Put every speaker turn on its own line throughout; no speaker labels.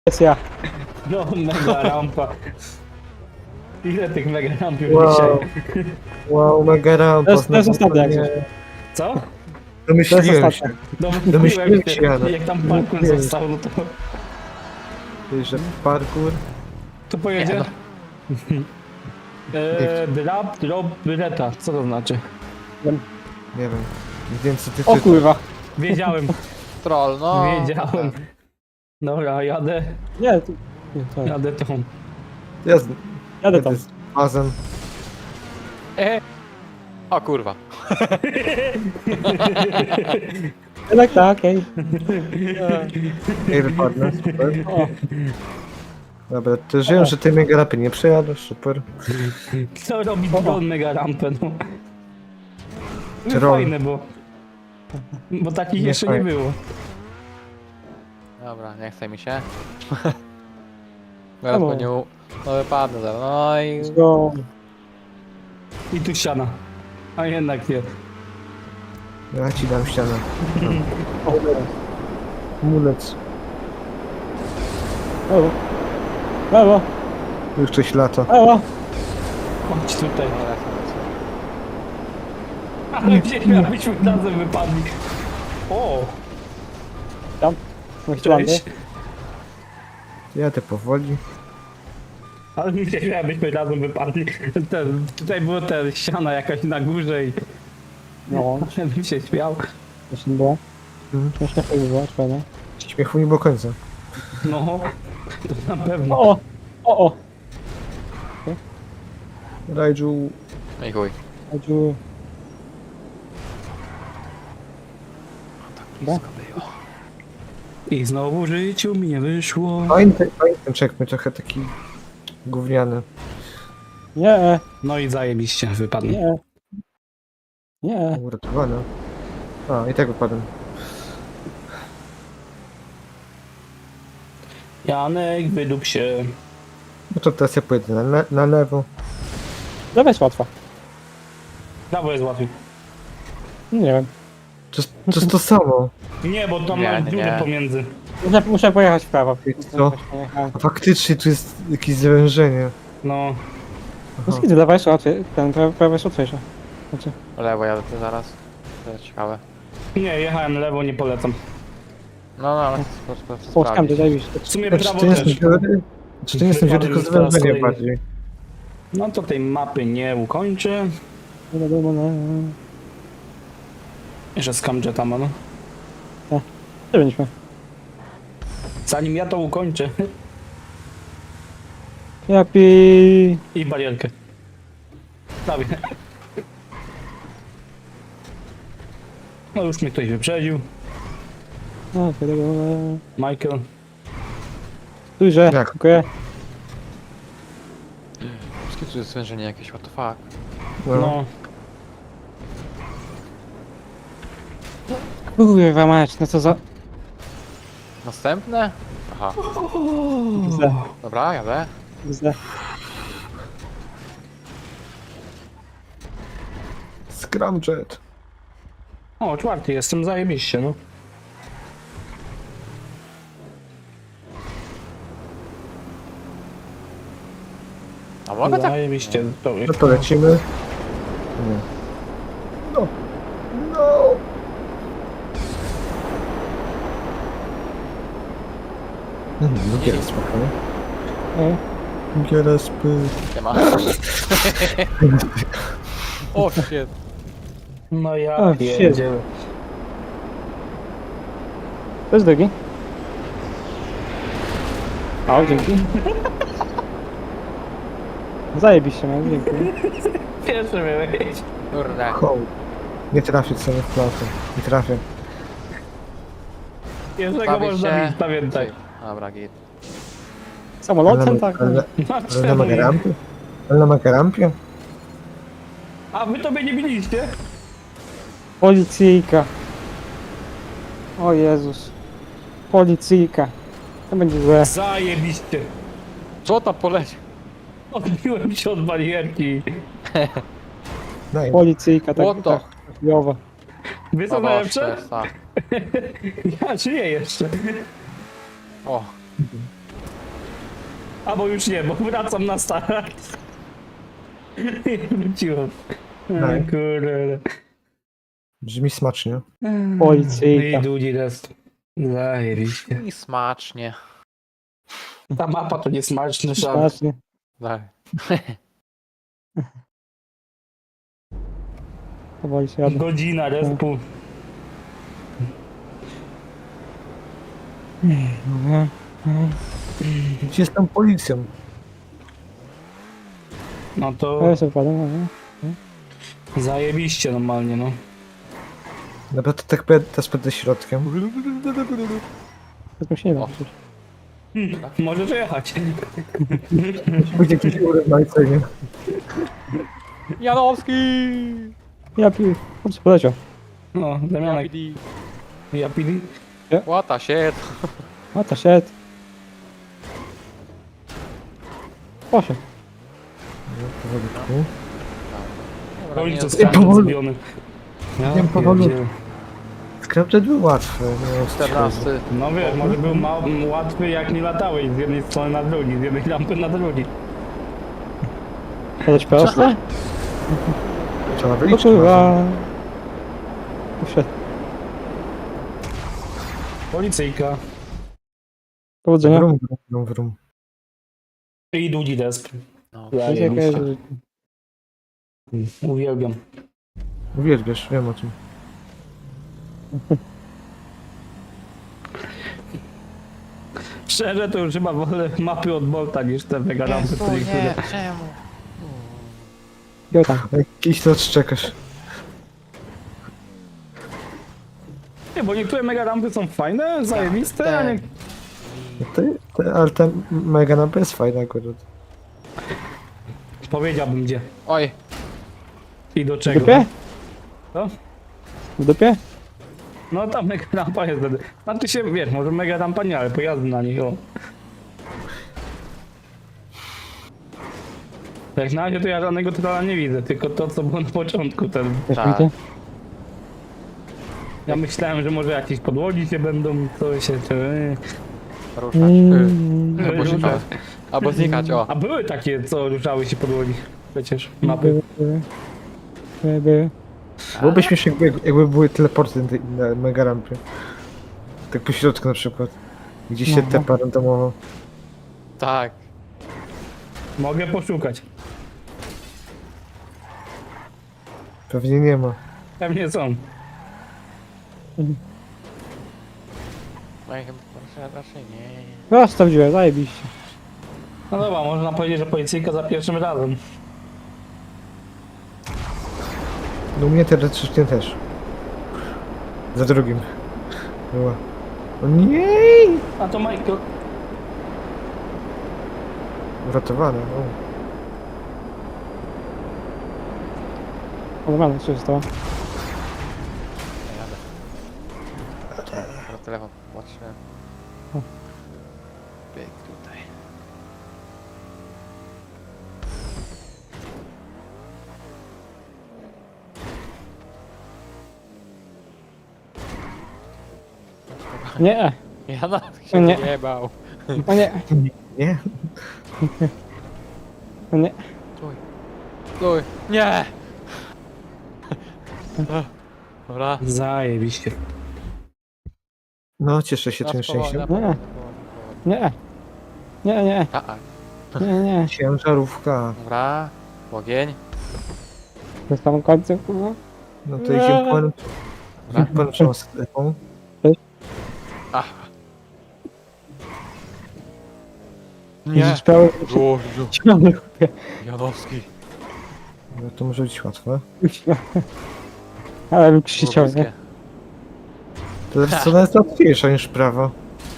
jest ja.
No, mega rampa. Ile tych mega ramp już
Wow.
dzisiaj?
Wow, mega rampa.
To jest ostatnia jak coś.
Co?
Domyśliłem
To
się.
jest ostatnia.
No,
Domyśliłem
mówiłem
się,
się,
Jana.
jak tam parkour
Mówiłem.
został, no to...
Że parkour.
To pojedzie?
Nie,
Drop, reta. Co to znaczy?
Nie wiem. Nie wiem co ty
O kurwa.
Wiedziałem,
Troll, no.
wiedziałem. Dobra, jadę,
Nie, nie, to
jadę tą.
Jadę
tam.
z bazem.
O kurwa.
Jednak tak, okej.
Nie wypadnę, super.
O,
Dobra, to żyję, że ty mega rapy nie przejadasz, super.
Co robi drone mega rampę, no? No
Troll.
fajne, bo takich
Nie
jeszcze nie
fajne.
było.
Dobra, nie chce mi się. Teraz po nią. No wypadnę zaraz. No i.
let's go.
I tu ściana. A jednak nie.
Ja ci dam ścianę.
O,
Mulec.
brawo. Brawo,
Już coś lata.
brawo.
Chodź tutaj.
No, lecę.
Ale gdzieś abyśmy razem wypadli. O!
Tam. Chciałem,
Cześć.
Jadę powoli.
Ale gdzieś abyśmy razem wypadli. Tutaj była ta ściana jakaś na górze i...
No,
Bym się śmiał.
właśnie było.
Mhm.
Śmieszne to było, fajnie.
Śmiechu nie było końca.
No, to na pewno.
O, o.
Raiju.
No i chuj.
Chodził.
I znowu w życiu mi nie wyszło.
Fajny ten checkpoint, trochę taki gówniany.
Nie,
No i zajebiście wypadł.
nie. Nie.
Uratowany. A, i tak wypadłem.
Janek, wydup się.
No to teraz ja pojedę na lewo.
Lewa jest łatwa.
Prawo jest łatwiej.
Nie wiem.
To jest to samo.
Nie, bo tam
Nie,
mam
nie,
dziurę
nie.
pomiędzy.
Muszę pojechać w prawo.
Co?
Pojechałem.
A faktycznie tu jest jakieś zawężenie.
No,
No skidy, lewa jest łatwiej. Ten prawo jest łatwiejsze. Znaczy,
Lewo jadę tu zaraz. To jest ciekawe.
nie, jechałem lewo, nie polecam.
No, ale
Polskam, ty zajebiście.
W sumie
Czy
prawo
to nie są
też.
dziury? Czy to nie są dziury, tylko
Wypadłem teraz
zawężenie
kolejny.
bardziej?
No to tej mapy nie ukończę.
Nie wiadomo, no.
Jeszcze scamjeta ma, no.
Gdzie byliśmy?
Zanim ja to ukończę.
Japi.
I barierkę. Prawie. No już mnie ktoś wyprzedził.
No, wiadomo.
Michael.
Duże,
Jak?
dziękuję.
Wszystkie tu jest zwężenie jakieś, what the fuck.
No.
Kurwa mać, no co za...
Następne? Aha.
Źle,
Dobra, jadę.
źle.
Scramjet.
O, czwarty jestem, zajebiście, no.
A mogę tak?
Zajebiście. To
No to lecimy. Nie. No. No. No giera spokojnie.
E,
Giera spy.
Nie ma. O shit.
No ja
O,
pierdzielę.
To jest drugi. O, dzięki. Zajebiście, no, dziękuję.
Pierwszy miałeś.
Kurde.
Hołd. Nie trafię sobie w platę. Nie trafię.
Pierwszego
Bawię
można
się.
mieć, pamiętaj.
Dobra, git.
Samolotem, tak?
Ale
No,
na
czemu nie?
magarampie? Ale na magarampie?
A wy to mnie nie biliście?
Policyjka. O Jezus. Policyjka. To będzie złe.
Zajebiście.
Co tam poleci?
Odbiłem się od barierki.
Daj.
Policyjka, tak,
What the?
tak. Chujowo.
Wy co
O,
najlepsze?
jest, tak.
Ja żyję jeszcze.
O,
Albo już nie, bo wracam na start. Wróciłem.
No.
Kurde.
Brzmi smacznie.
Policyjka.
I długi test. Zajebiście.
I smacznie.
Ta mapa to nie smaczny żart.
Strasznie.
Tak.
Powoli się jadę.
Godzina respu.
Dobra.
Gdzie jest tam policją?
No to
Ja sobie wpadam, no.
zajebiście normalnie, no.
Dobra, to tak teraz będę środkiem.
Tak mi się nie da
O.
przecież.
Możesz jechać.
Będzie jakiś urywajcenie.
Janowski!
Ja piję. Chodź, poleciał.
No, Damianek.
Japidi.
Ja pili.
What the shit?
A to shit. Poszedł.
Powolutku.
Dobra,
Oj,
nie
to
jest-
skręt
powoli-
zbiony. Ja
Wiem, powolutku.
pierdzielę.
Scrapted był łatwy. Nie
14.
No wiesz, może był łatwy jak nie latałeś z jednej strony na drugi, z jednej lampy na drugi.
Poleć prosto?
Trzeba
O
wyliczyć.
kurwa. Usiadł.
Policyjka.
Powodzenia.
Wrum, wrum, wrum.
I długi desp.
No.
Zajebiście. Uwielbiam.
Uwielbiasz, wiem o tym.
Szczerze to już chyba wolę mapy od Bolta niż te mega lampy,
Jezu,
które
nie, czemu?
Jo tam.
Jakiś to odczekasz.
Nie, bo niektóre mega lampy są fajne, zajebiste, a nie...
Ale ta mega napę jest fajna akurat.
Powiedziałbym gdzie.
Oj,
I do
W
czego.
dupie?
Co?
W dupie?
No ta mega lampa jest wtedy. Znaczy się, wiesz, może mega lampa nie, ale pojazdy na nich, o. Jak na razie to ja żadnego trolla nie widzę, tylko to co było na początku ten.
Też
Tak.
widzę.
Ja myślałem, że może jakieś podłogi się będą, co się...
ruszać. Albo
Ruszać.
znikać. Albo znikać, o.
A były takie, co ruszały się podłogi. Przecież mapy.
Były.
Byłoby śmiesznie, jakby były teleporty na mega rampie. Tak po środku na przykład. Gdzie się
No.
tepa randomowo.
Tak.
Mogę poszukać.
Pewnie nie ma.
Pewnie są.
No i chyba raczej nie.
No, sprawdziłem, zajebiście.
No dobra, można powiedzieć, że policyjka za pierwszym razem.
No u mnie teoretycznie też. Za drugim. Była. O nie!
A to Michael.
Uratowane. O.
O, dobra, co się stało?
Jadę. Na telefon patrzyłem.
O.
Bieg tutaj.
Nie,
Ja nawet się
Nie.
nie bał.
o nie,
Nie?
o nie.
Stój. Stój. Nie! Dobra.
Zajebiście.
No, cieszę się tym
Teraz powoli,
szczęściem.
powoli, powoli.
Nie. Nie.
A,
Nie.
Ciężarówka.
dobra. Ogień.
To jest tam końcu, kurwa.
No to idziemy po naszą sklepą.
Ach. Nie.
Widzisz, prawie
Boże.
ciągle kupię.
Janowski.
No to może być łatwe.
Ale bym krzyczał, nie?
Lubuskie.
To jest co jest łatwiejsza niż prawo.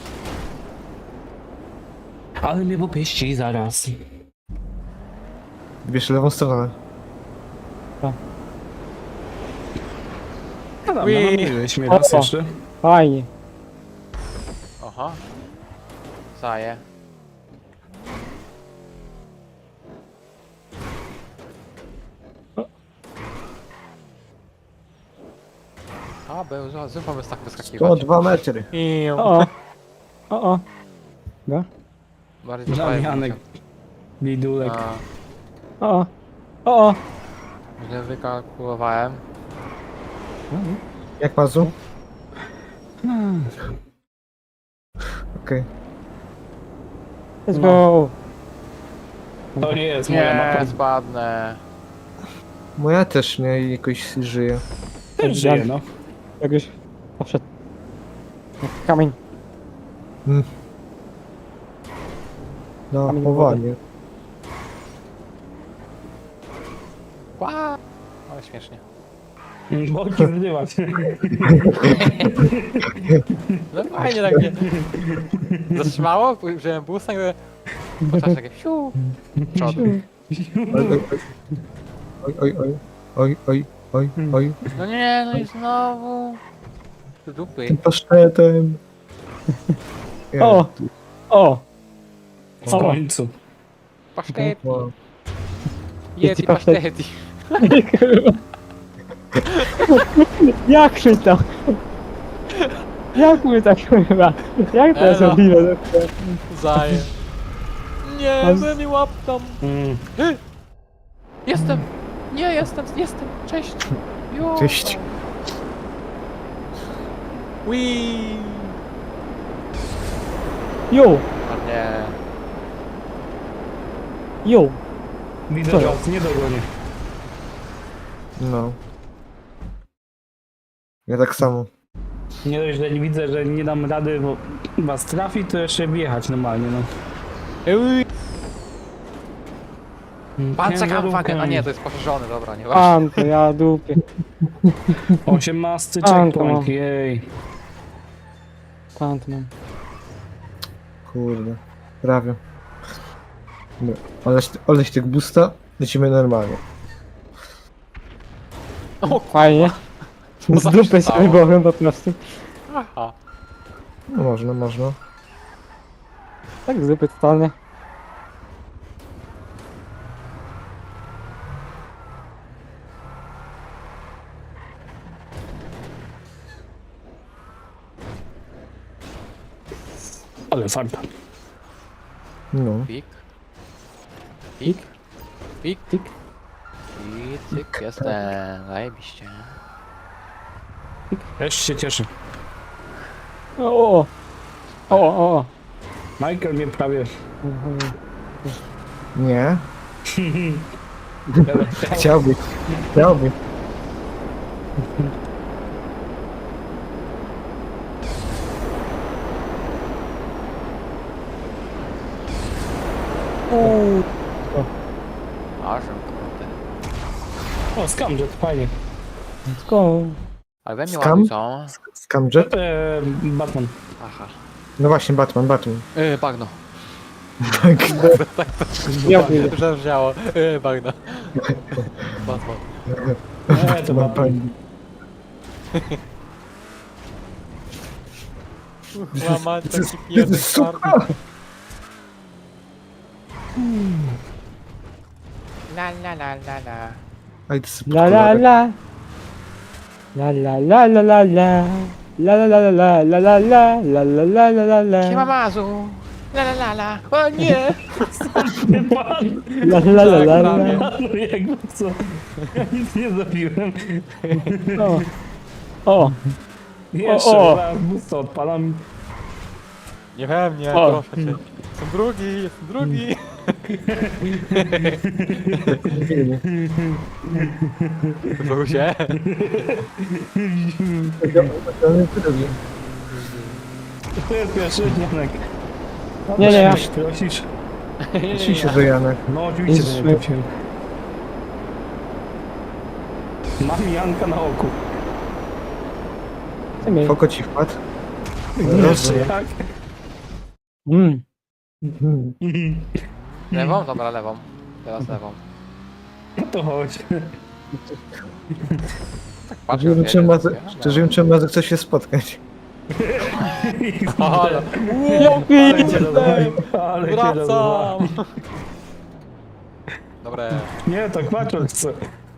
Ale mnie popieści zaraz.
Bierz lewą stronę.
No dobra,
Ui.
namówiłeś mnie raz
O.
jeszcze.
Fajnie.
Aha. Zaję. A, był zupą tak wyskakiwać.
102 metry.
Iu.
O. O. Dobra.
Bardziej do prawej
Damianek. Bidulek.
A,
O, o,
źle wykalkulowałem.
Jak Mazu? Okej.
let's go.
To nie jest moja
Nie,
mapa.
spadnę.
Moja też nie jakoś żyje.
Też żyje, no.
Jakoś poszedł. Jak kamień.
No,
Kamień
powoli.
Ła! Ale śmiesznie.
Boki zrywać.
No fajnie tak mnie zatrzymało, wziąłem busta i po czasie takie siu. Przod.
Oj, oj, oj. Oj, oj, oj, oj.
No nie, no i znowu. Do dupy.
Tym pasztetem.
O, o.
W końcu.
Pasztety.
Wow.
Yeti
pasztet.
pasztety.
Jak my to? Jak my tak chyba? Jak to jest
Elo.
możliwe?
Zaję. Nie,
Mam-
ze mnie łap tam.
Mm.
Jestem. Nie, jestem. Cześć. Jo.
Cześć.
Wii.
Jo,
O nie.
jo.
Widzę
Co?
was, nie dogonię.
No. Ja tak samo.
Nie dość, że widzę, że nie dam rady, bo was trafi, to jeszcze wjechać normalnie, no.
Pan czeka
Ciężarówka.
uwagę. A nie, to jest poszerzony, dobra, nie
Pan to ja dupie.
18
A, to
checkpoint,
mam.
jej.
Pan to mam.
Kurde. Prawie. No. Oleś tych busta. Lecimy normalnie.
Fajnie.
Co
Z
tam
dupy
się
się
stało?
wybołem po prostu.
Aha.
No można, można.
Tak z dupy totalnie.
Ale farta.
No.
Pik. Pik. Pik.
Tik.
I cyk, jestem. Zajebiście.
Też się cieszę.
O, o, o. O, o.
Michael mnie prawie...
Nie. Chciałby. Chciałby.
Aż kurde.
O, Scamjet, fajnie.
Let's go.
Ale we mnie
Skam?
ładni są.
Scamjet?
Batman.
Aha.
No właśnie, Batman.
Bagno.
Tak.
Ja pójdę.
Zabrzmiało. Bagno. Batman.
To Batman.
Łamać taki
Jezus,
pierdek
suka!
twardy. La la la la la.
Aj, to jest
La la la. La la la la la la. La la la la la la la la la la la la la
Siema
la.
Mazu. La la la la. O nie!
La la la la la.
Jakby co? Ja nic nie zrobiłem.
O. O.
Jeszcze
O.
raz busta odpalam.
Nie we mnie,
O.
proszę cię. Jestem drugi. Znowu się?
To jest pierwszy Janek.
Nie, nie, ja.
Prosisz?
Oczywiście, że Janek.
No oczywiście, że nie
Jest-
prosiłem. Mam Janka na oku.
Co mi?
Foko ci wpadł.
Jeszcze jak?
Lewą? Dobra, lewą. Teraz lewą.
No to chodź.
Tak patrzę.
Szczerze
jak
wiem, czym Mazek chce się spotkać.
Ale
Ale cię rozwalił. Ale cię rozwalił.
wracam! Dobre.
Nie, to kłaczor chce.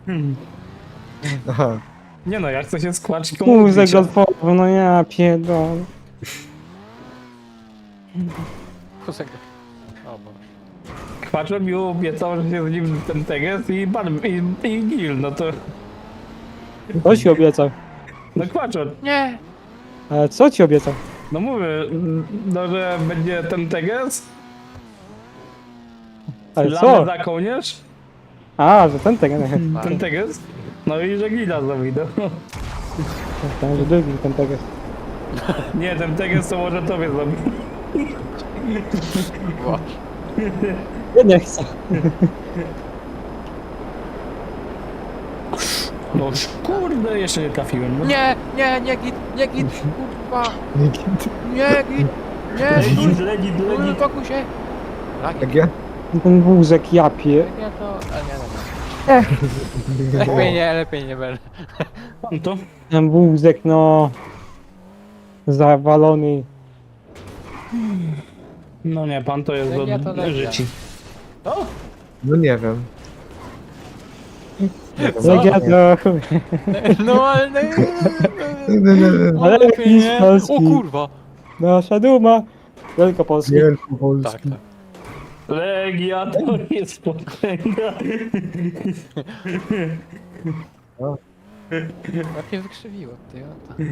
Aha.
Nie no, ja chcę się skłaczyć
Kuzek golfowy, no ja pierdolę.
Kusek. O Boże.
Kwaczor mi obiecał, że się z nim ten teges i Gil, no to...
Co ci obiecał?
No Kwaczor,
Nie!
Ale co ci obiecał?
no mówię, no że będzie ten teges,
Ale
lany
co?
za kołnierz,
A, że ten tego.
ten teges, no i że Gila zrobi, no.
Myślałem, że drugi ten tego.
Nie, ten teges to może tobie zrobi.
Boże.
Ja nie chcę.
No kurde, jeszcze nie trafiłem, no.
Nie, nie git, kurwa.
Nie,
Nie git, nie,
Legit.
uspokój się. Lagi,
jak ja?
Ten wózek japie.
nie to, ale nie. Lepiej nie będę.
Pan to?
Ten wózek, no. Zawalony.
No nie, pan to jest
Legia to
od
legia.
życi. O!
No nie wiem.
Legia to chuj.
No ale...
Ale
lepiej
jakiś
nie.
polski.
O kurwa.
Nasza duma. Wielkopolski.
Wielkopolski.
Tak, tak.
Legia to jest potęga.
Lepiej wykrzywiło, ty o to.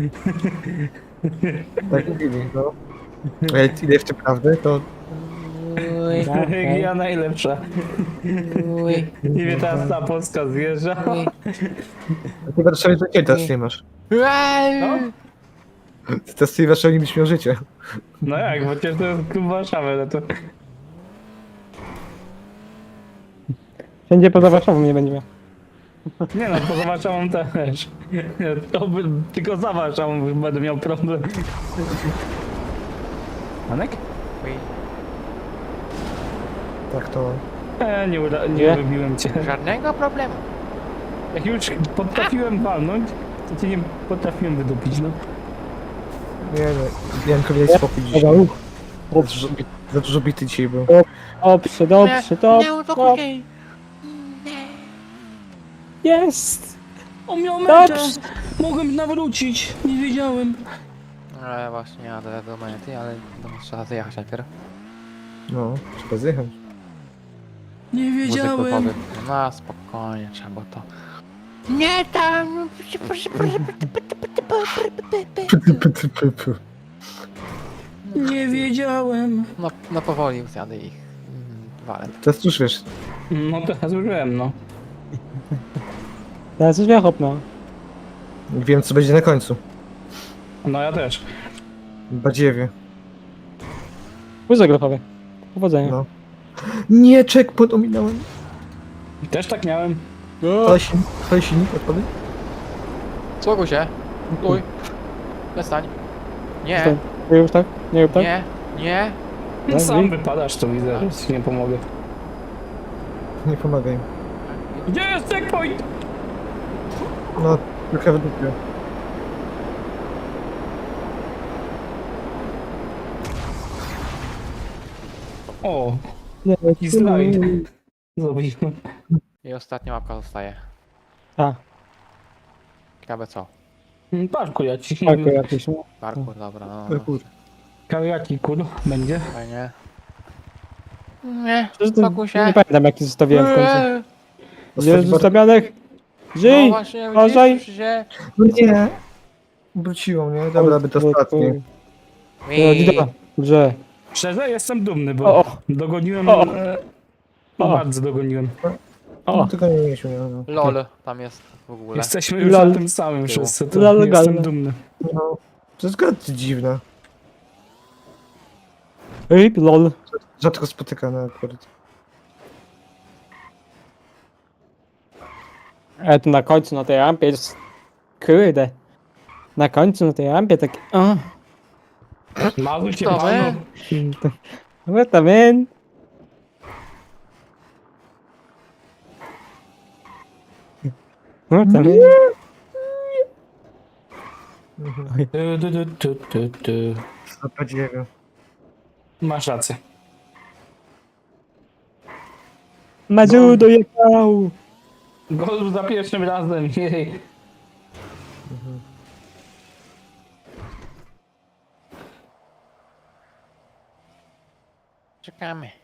Tak mówili, no. Ale ile jeszcze prawdy, to
Uj,
Legia najlepsza.
uj,
I mnie teraz ta Polska zjeżdża.
uj.
ty w Warszawie to nie teraz nie masz.
No?
Ty teraz w Warszawie nie byś miał życia.
No jak, bo przecież to jest klub Warszawy, no to...
Wszędzie poza Warszawą nie będzie miał.
Nie no, poza Warszawą też. Tylko za Warszawą już będę miał problem. Anek?
Uj.
Tak to.
Nie
Nie?
lubiłem cię.
Żadnego problemu.
Jak już potrafiłem walnąć, to cię nie potrafiłem wydupić, no.
Nie no, Janko, miałeś spokój dzisiaj.
Dobra, uch.
Za dużo bity dzisiaj był.
Dobrze, dobrze, dobrze. Jest!
On miał
Dobrze!
Mogłem nawrócić, nie wiedziałem.
Ale właśnie jadę do mety, ale trzeba zjechać najpierw.
No, trzeba zjechać.
Nie
Muzyk
wiedziałem.
powie, no spokojnie, trzeba to. Nie tam!
Nie wiedziałem.
No powoli zjadę ich. Walę.
Teraz już wiesz,
No teraz już wiem, no.
Teraz już wiechop, no.
wiem co będzie na końcu.
No ja też.
Badziewie.
Wózek grochowy. Powodzenia.
No. Nie, checkpoint ominąłem.
Też tak miałem.
To silnik odpady?
Słuchaj się. Uj. Przestań. Nie,
Nie rób tak? Nie rób tak?
nie.
Tak,
Sam
i-
wypadasz, to widzę, że ci nie pomogę.
Nie pomagaj.
Gdzie jest checkpoint?
No, trochę w dupie.
O,
Nie,
i slajd. Zrobiłem.
I ostatnia łapka zostaje.
A,
Ciekawe co?
Parku ja ci.
tak, jakiś.
Parkour, dobra, no.
Ale kur...
Jaki kur będzie?
Fajnie. Nie,
Nie
spokój się.
pamiętam jaki zostawiłem w końcu.
Eee,
Gdzie jest zostawianek?
No
Żyj!
właśnie,
uważaj.
widzisz się.
No nie. Wróciło mnie, dobra, by to ostatnie.
Widzę, że.
Szczerze jestem dumny,
O,
bo
o.
dogoniłem.
O.
No,
O.
bardzo dogoniłem.
O,
No, tylko nie mieliśmy, no.
LOL tam jest w ogóle.
Jesteśmy już
Lol.
na tym samym wszyscy, to
Lol,
jestem
galne.
dumny.
No. To jest gra dziwna.
rip, lol.
Rzadko spotykana akurat.
Ale tu na końcu na tej rampie jest. Kurde. Na końcu na tej rampie tak. O,
Mały cię
To
panu.
what the man? What the man?
Tu.
Co badziewie.
Masz rację.
Mazu dojechał!
Gol za pierwszym razem, jej.
Czekamy.